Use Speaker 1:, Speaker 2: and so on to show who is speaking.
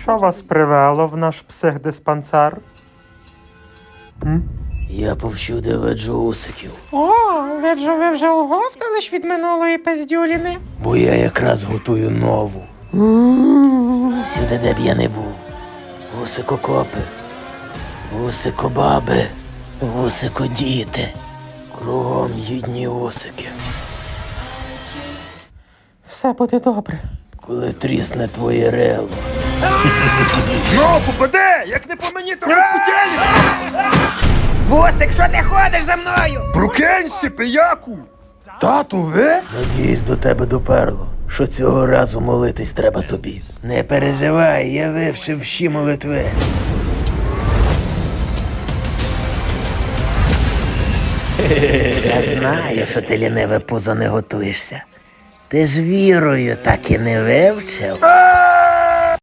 Speaker 1: Що вас привело в наш психдиспансер?
Speaker 2: Я повсюди виджу усиків,
Speaker 1: О, виджу, ви вже оговтались від минулої пиздюліни.
Speaker 2: бо я якраз готую нову. Всюди, де б я не був. Усикокопи, усикобаби, усикодіти. Кругом їдні усики.
Speaker 1: Все буде добре.
Speaker 2: Коли трісне твоє рело.
Speaker 3: Ну, попаде! Як не по мені, то як путєлі!
Speaker 4: Вусик, що ти ходиш за мною?
Speaker 3: Прокинься, пияку! Тату, ви?
Speaker 2: Надіюсь, до тебе доперло, що цього разу молитись треба тобі. Не переживай, я вивчив всі молитви. Я знаю, що ти ліниве пузо не готуєшся. Ти ж вірою так і не вивчив.